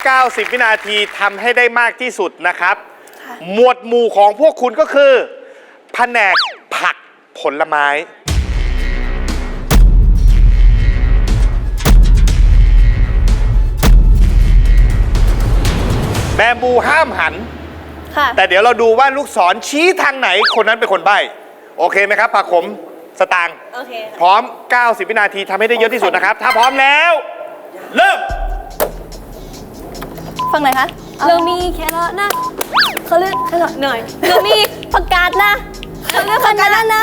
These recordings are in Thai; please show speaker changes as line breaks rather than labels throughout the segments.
90 วินาทีทำให้ได้มากที่สุดนะครับ หมวดหมู่ของพวกคุณก็คือแผนกผักผลไม้แบมบูห้ามหันแต่เดี๋ยวเราดูว่าลูกศรชี้ทางไหนคนนั้นเป็นคนใบ้โอเคไหมครับผักขมสตางค์โอเคพร้อม 90 วินาทีทำให้ได้เยอะที่สุดนะครับ ถ้าพร้อมแล้วเริ่ม
ฟังไหนคะเรามีแครอทนะเขาเลือกแครอทหน่อยเรามีผักกาดนะเขาเลือกผักกาดนะ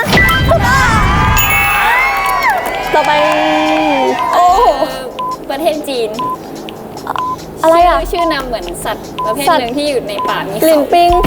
ต่อไปโอ้
ประเทศจีน
อะไรอ่ะ
ชื่อนำเหมือนสัตว์ประเภทหนึ่งที่อยู่ในป่ามี
ลิงปิง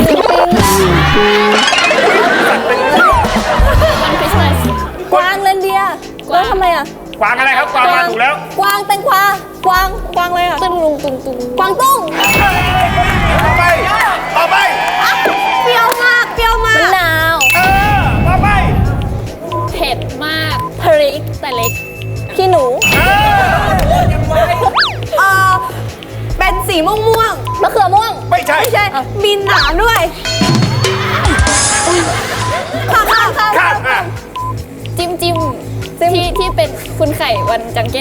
มันคริสต์มาส
กวางเรนเดียร์แล้วทำไมอ่ะ
กวางอะไรครับกวางมาถูกแล้ว
กวางแตงกวากวางอะไรอ่ะ
ตึ้งลุงตุงตุง
กวางตุ้ง
ต่อไป
เปรี้ยวมากมะนาว
ต่อไป
เผ็ดมากพริกแต่เล็ก
ขี้หนูเป็นสีม่วงมะเขือม่วง
ไม่ใช่
มีหนามด้วยข้าม
จิ้มที่เป็นคุณไข่วันจังเก้น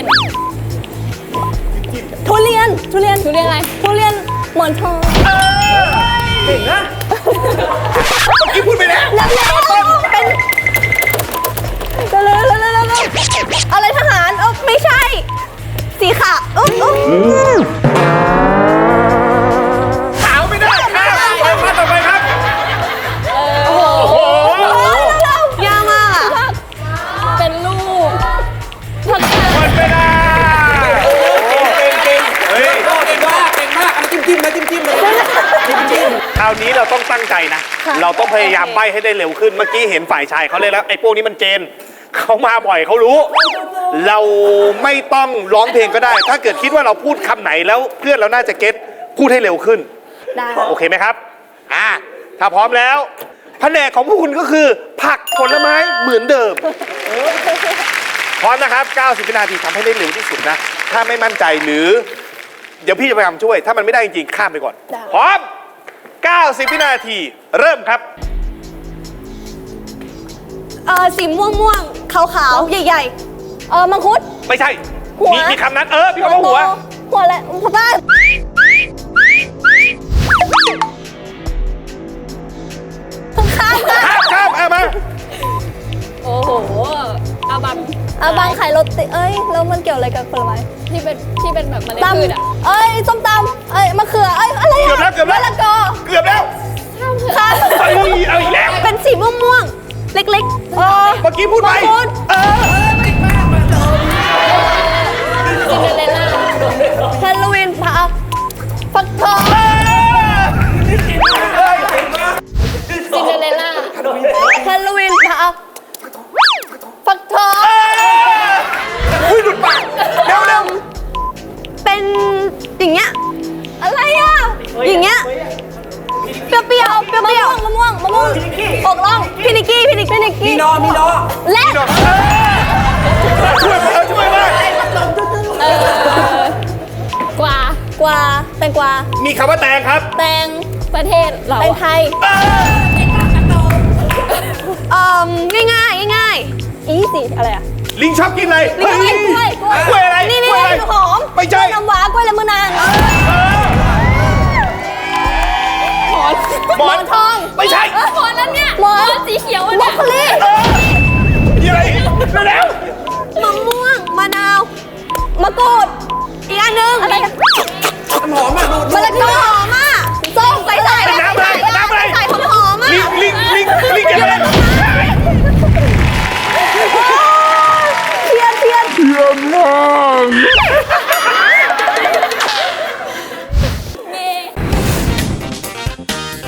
ทุเรียนอะไรทุเรียนหมอนทอง
เก่งนะที่พูดไปแล้ว
เป็นอะไรทหารไม่ใช่สีขาว
ขาวไม่ได้ครับมาต่อไปครับ
โอ้โหยากมากอ่ะ
เป็นลูก
หมดเวลาเก่งเฮ้ยเก่งมากจิ้มคราวนี้เราต้องตั้งใจนะเราต้องพยายามใบ้ให้ได้เร็วขึ้นเมื่อกี้เห็นฝ่ายชายเขาเลยแล้วไอ้พวกนี้มันเจนเขามาบ่อยเขารู้เราไม่ต้องร้องเพลงก็ได้ถ้าเกิดคิดว่าเราพูดคำไหนแล้วเพื่อนเราน่าจะเก็ตพูดให้เร็วขึ้นได้โอเคไหมครับถ้าพร้อมแล้วแผนกของพวกคุณก็คือผักผลไม้เหมือนเดิมพร้อมนะครับ90 วินาทีทำให้ได้เร็วที่สุดนะถ้าไม่มั่นใจหรือเดี๋ยวพี่จะพยายามช่วยถ้ามันไม่ได้จริงๆข้ามไปก่อนพร้อม90 วินาทีเริ่มครับ
สีม่วงขาวใหญ่มังคุด
ไม่ใช่มีคำนั้นมีคำว่าหัว
อะไรหัวบ้าน
ข้ามมา
โอ้โหอาบัง
ไข่รถติแล้วมันเกี่ยวอะไรกับผลไม้
ที่เป็นแบบเมล็ดพืช
ส้มตำมะเขืออะไร
เกือบแล้ว
มะละกอ
เกือบแล้วเอาอีกแล้ว
เป็นสีม่วงเล็กๆ
เมื่อกี้พูดไป
ซินเดอเรลล่า
ฮาโลวีนฟักทอง
ซินเดอเรลล่า
ฮาโลวีนฟักทอง
หลุดปากเร็ว
เป็นอย่างเงี้ยอะไรอ่ะอย่างเงี้ยเปรี้ยวมะม่วงอกล่องพี่นิกกี้มีนอและ
ช่วยมาก
กวา
แตงกวา
มีคำว่าแตงครับ
แตง
ประเทศเรา
แตงไทยง่ายอีสิอะไรอ่ะ
ลิงชอบกินอะไร
กล้วย
อะไร
นี่หอม
ไม่ใช่
น้ำว้ากล้วยละมือนาง
หมอน
ทอง
ไม่ใช่
หมอนนั้นเนี่ย
หมอน
สีเขียว
บรอกโคลี